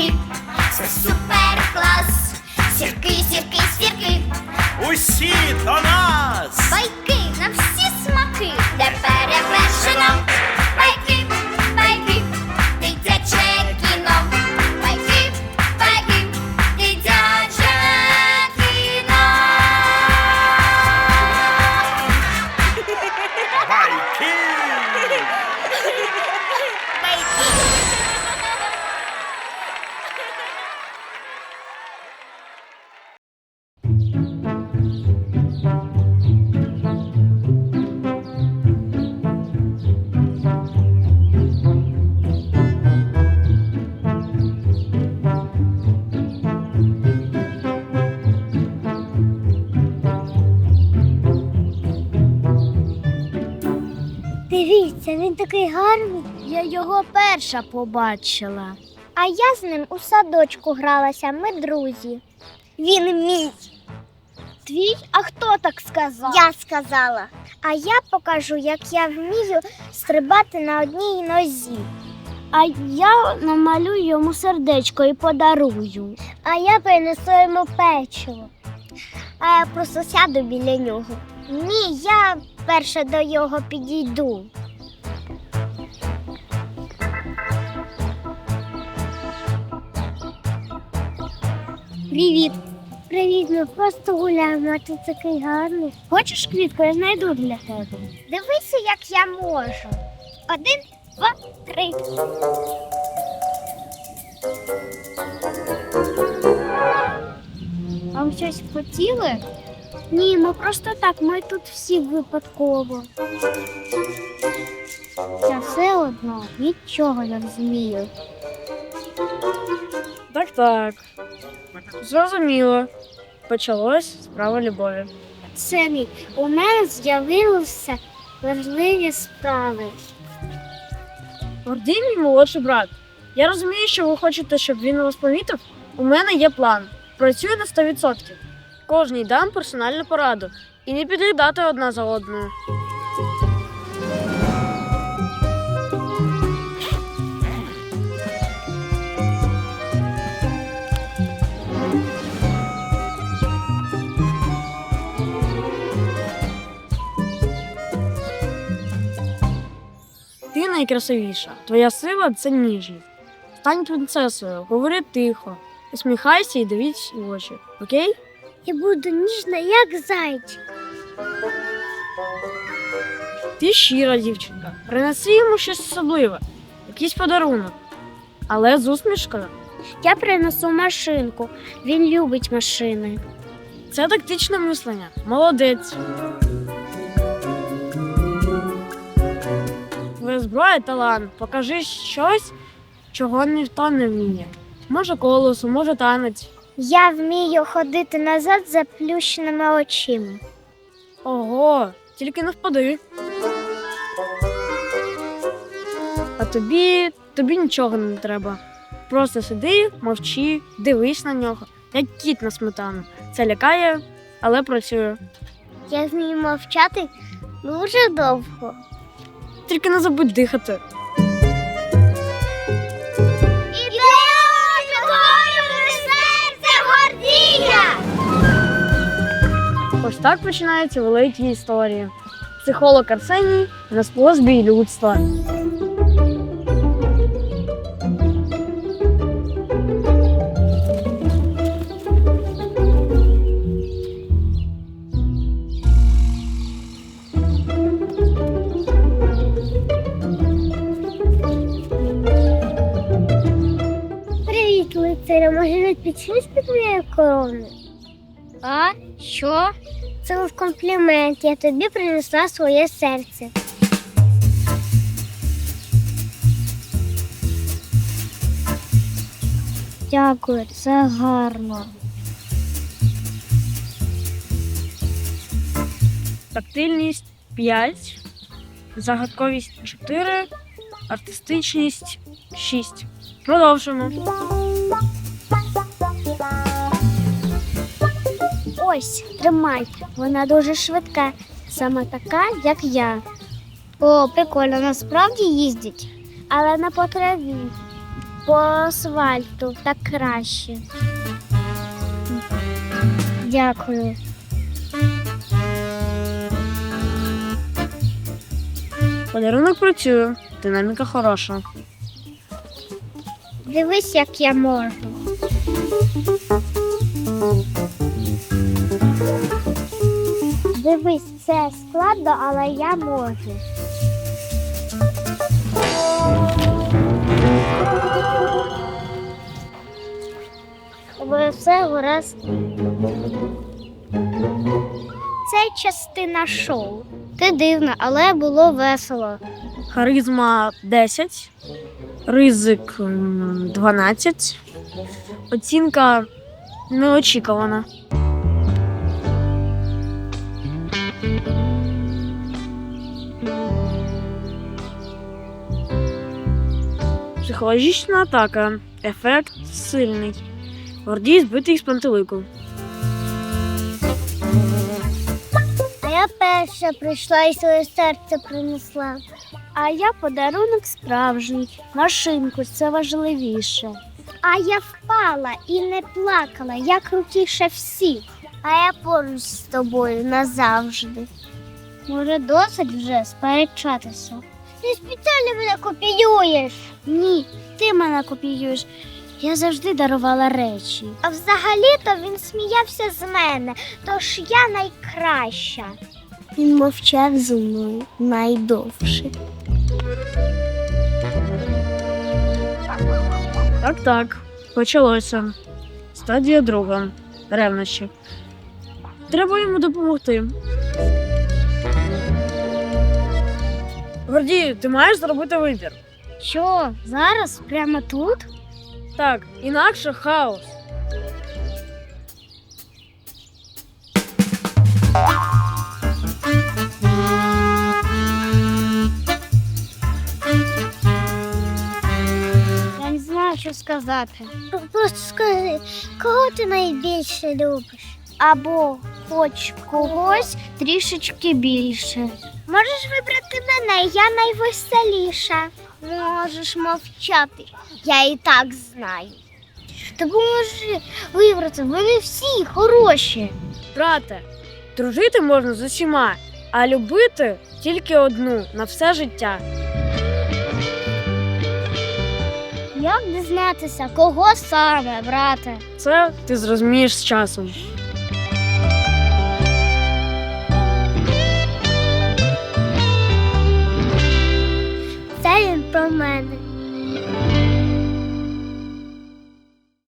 байки, це супер клас. Сірки, сірки, сірки, Усі до нас! байки на всі смаки, де перевершено. Байки, байки, дитяче кіно. Байки, байки, дитяче кіно. Байки! Дивіться, він такий гарний. Я його перша побачила. А я з ним у садочку гралася, ми друзі. Він мій. Твій? А хто так сказав? Я сказала. А я покажу, як я вмію стрибати на одній нозі. А я намалюю йому сердечко і подарую. А я принесу йому печиво. А я просто сяду біля нього. Ні, я перше до його підійду. Привіт. Привіт, ми просто гуляємо, а ти такий гарний. Хочеш квітку, я знайду для тебе. Дивися, як я можу. 1, 2, 3. Вам щось хотіли? Ні, ми просто так, ми тут всі випадково. Я все одно нічого не розумію. Так. Зрозуміло. Почалось справа любові. Семі, у мене з'явилися важливі справи. Гордій мій молодший брат. Я розумію, що ви хочете, щоб він вас помітив. У мене є план. Працюю на 100%. Кожній дам персональну пораду. І не підглядати одна за одною. Ти найкрасивіша. Твоя сила – це ніжність. Стань принцесою, говори тихо, усміхайся і дивись в очі. Окей? Я буду ніжна, як зайчик. Ти щира дівчинка. Принеси йому щось особливе, якийсь подарунок. Але з усмішкою. Я принесу машинку. Він любить машини. Це тактичне мислення. Молодець. Твоя зброя – талант. Покажи щось, чого ніхто не вміє. Може колесо, може танець. Я вмію ходити назад з заплющеними очима. Ого, тільки не впади. А тобі нічого не треба. Просто сиди, мовчи, дивись на нього, як кіт на сметану. Це лякає, але працює. Я вмію мовчати дуже довго. Тільки не забудь дихати. Ось так починаються великі історії. Психолог Арсеній на способі людства. Привіт, лицаря. Може, ви підшлись під моєю короною? А? Що? Це був комплімент. Я тобі принесла своє серце. Дякую, це гарно. Тактильність 5, загадковість 4, артистичність 6. Продовжуємо. Ось, тримай. Вона дуже швидка. Саме така, як я. О, прикольно, насправді їздять. Але на по траві. по асфальту, так краще. Дякую. Подарунок працює, динаміка хороша. Дивись, як я можу. Дивись, це складно, але я можу. Але все гаразд. Це частина шоу. Ти дивна, але було весело. Харизма 10, ризик 12, оцінка неочікувана. Психологічна атака. Ефект сильний. Гордій збитий з пантелику. А я перша прийшла і своє серце принесла. А я подарунок справжній. Машинку, це важливіше. А я впала і не плакала, я крутіше всіх. А я поруч з тобою назавжди. Може, досить вже сперечатися? Ти спеціально мене копіюєш. Ні, ти мене копіюєш. Я завжди дарувала речі. А взагалі-то він сміявся з мене, тож я найкраща. Він мовчав зі мною найдовше. Так, почалося. Стадія друга. Ревнощі. Треба йому допомогти. Гордію, ти маєш зробити вибір. Що, зараз? Прямо тут? Так, інакше хаос. Я не знаю, що сказати. Просто скажи, кого ти найбільше любиш? Або хоч когось трішечки більше. Можеш вибрати мене, я найвеселіша. Можеш мовчати, я і так знаю. Допоможи вибрати, вони всі хороші. Брате, дружити можна з усіма, а любити тільки одну на все життя. Як дізнатися, кого саме, брате? Це ти зрозумієш з часом. Це він про мене.